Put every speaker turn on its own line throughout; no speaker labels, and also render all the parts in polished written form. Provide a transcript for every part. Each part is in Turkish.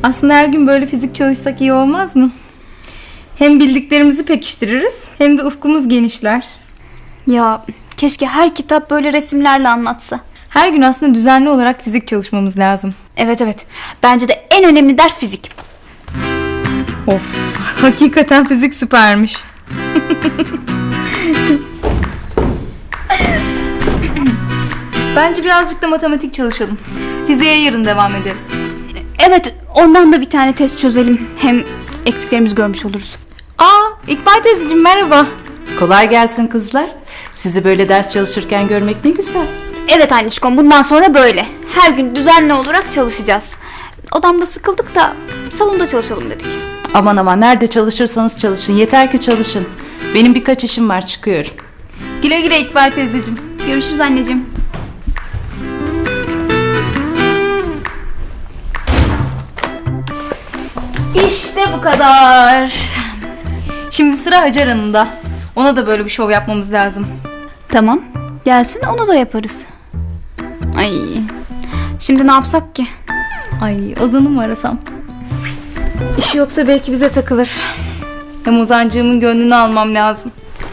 Aslında her gün böyle fizik çalışsak iyi olmaz mı? Hem bildiklerimizi pekiştiririz hem de ufkumuz genişler.
Ya keşke her kitap böyle resimlerle anlatsa.
Her gün aslında düzenli olarak fizik çalışmamız lazım.
Evet. Bence de en önemli ders fizik.
Of, hakikaten fizik süpermiş. Bence birazcık da matematik çalışalım. Fiziğe yarın devam ederiz.
Evet, ondan da bir tane test çözelim. Hem eksiklerimizi görmüş oluruz.
İkbal teyzeciğim merhaba.
Kolay gelsin kızlar. Sizi böyle ders çalışırken görmek ne güzel.
Evet Anişkom, bundan sonra böyle. Her gün düzenli olarak çalışacağız. Odamda sıkıldık da salonda çalışalım dedik.
Aman nerede çalışırsanız çalışın. Yeter ki çalışın. Benim birkaç işim var, çıkıyorum.
Güle güle İkbal teyzeciğim.
Görüşürüz anneciğim.
İşte bu kadar. Şimdi sıra Hacer Hanım'da. Ona da böyle bir şov yapmamız lazım.
Tamam, gelsin onu da yaparız. Ay, şimdi ne yapsak ki?
Ay, Ozan'ı mı arasam? İşi yoksa belki bize takılır. Hem Ozancığımın gönlünü almam lazım.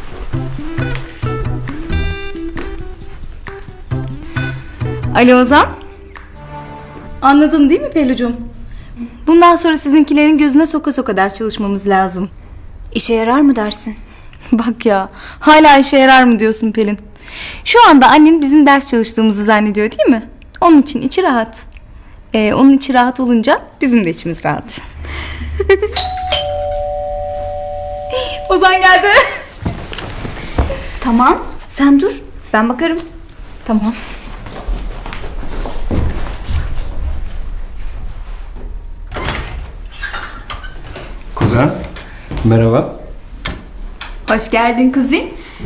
Alo Ozan. Anladın değil mi Pelucuğum? Bundan sonra sizinkilerin gözüne soka soka ders çalışmamız lazım.
İşe yarar mı dersin?
Bak ya, hala işe yarar mı diyorsun Pelin? Şu anda annen bizim ders çalıştığımızı zannediyor değil mi? Onun için içi rahat. Onun içi rahat olunca bizim de içimiz rahat. Ozan geldi.
Tamam, sen dur. Ben bakarım.
Tamam.
Kuzen, merhaba.
Hoş geldin kuzum.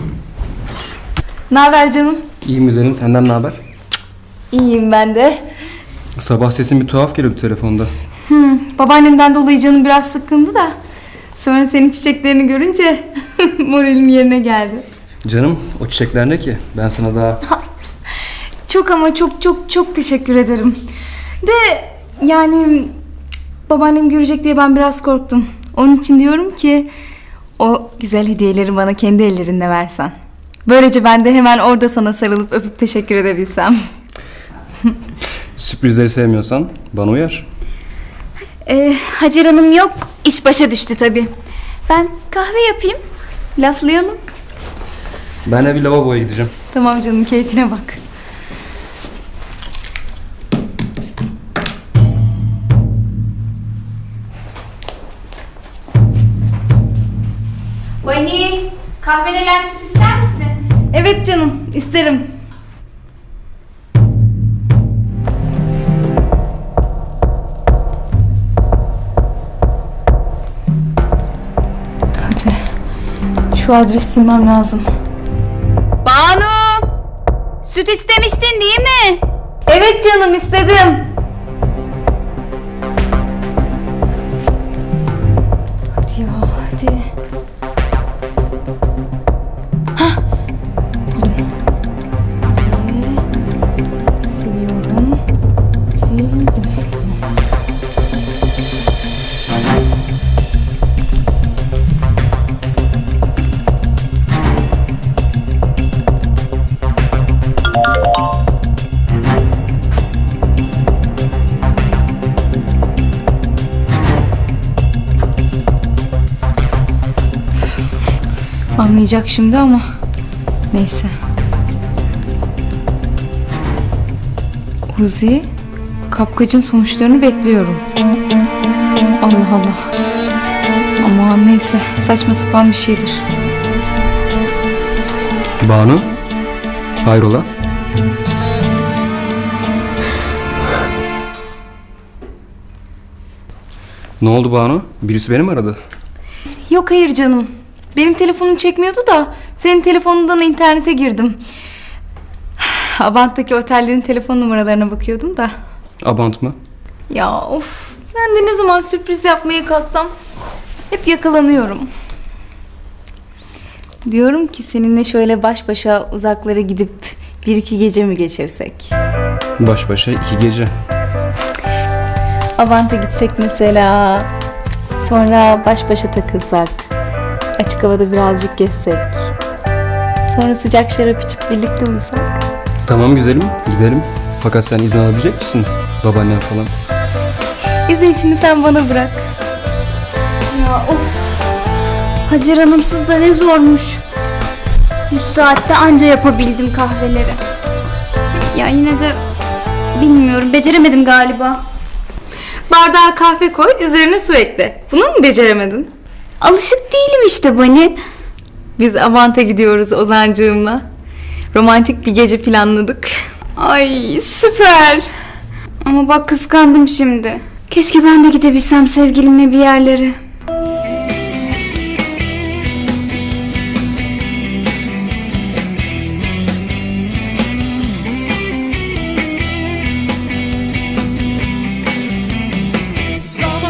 Ne haber canım?
İyiyim güzelim, senden ne haber?
İyiyim ben de.
Sabah sesin bir tuhaf geliyordu telefonda.
Babaannemden dolayı canım biraz sıkkındı da. Sonra senin çiçeklerini görünce moralim yerine geldi.
Canım, o çiçekler ne ki? Ben sana daha...
Çok ama çok teşekkür ederim. De yani babaannem görecek diye ben biraz korktum. Onun için diyorum ki o güzel hediyeleri bana kendi ellerinle versen. Böylece ben de hemen orada sana sarılıp öpüp teşekkür edebilsem.
Sürprizleri sevmiyorsan bana uyar.
Hacer Hanım yok, iş başa düştü tabii. Ben kahve yapayım, laflayalım.
Ben de bir lavaboya gideceğim.
Tamam canım, keyfine bak.
Vani, kahveler süt ister misin?
Evet canım, isterim. Hadi. Şu adresi silmem lazım.
Banu! Süt istemiştin değil mi?
Evet canım, istedim. Hadi ya, hadi. Siliyorum. Sildim. Tamam. Anlayacak şimdi ama neyse. Uzi, kapkacın sonuçlarını bekliyorum. Allah Allah. Aman neyse, saçma sapan bir şeydir.
Banu, hayrola? Ne oldu Banu? Birisi beni mi aradı?
Yok hayır canım. Benim telefonum çekmiyordu da senin telefonundan internete girdim. Abant'taki otellerin telefon numaralarına bakıyordum da.
Abant mı?
Ya of, ben de ne zaman sürpriz yapmaya kalksam hep yakalanıyorum. Diyorum ki seninle şöyle baş başa uzaklara gidip 1-2 gece mi geçirsek?
Baş başa 2 gece.
Avant'a gitsek mesela. Sonra baş başa takılsak. Açık havada birazcık gezsek. Sonra sıcak şarap içip birlikte uyusak.
Tamam güzelim, gidelim. Fakat sen izin alabilecek misin? Babaannen falan.
İzin içini sen bana bırak.
Ya of. Hacer Hanımsız da ne zormuş. 100 saatte anca yapabildim kahveleri. Ya yine de bilmiyorum, beceremedim galiba.
Bardağa kahve koy, üzerine su ekle. Bunu mu beceremedin?
Alışık değilim işte Bani.
Biz Avant'a gidiyoruz Ozancığımla. Romantik bir gece planladık.
Ay süper. Ama bak kıskandım şimdi. Keşke ben de gidebilsem sevgilimle bir yerlere.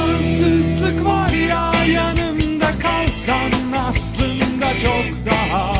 Zamansızlık var ya, yanımda kalsan aslında çok daha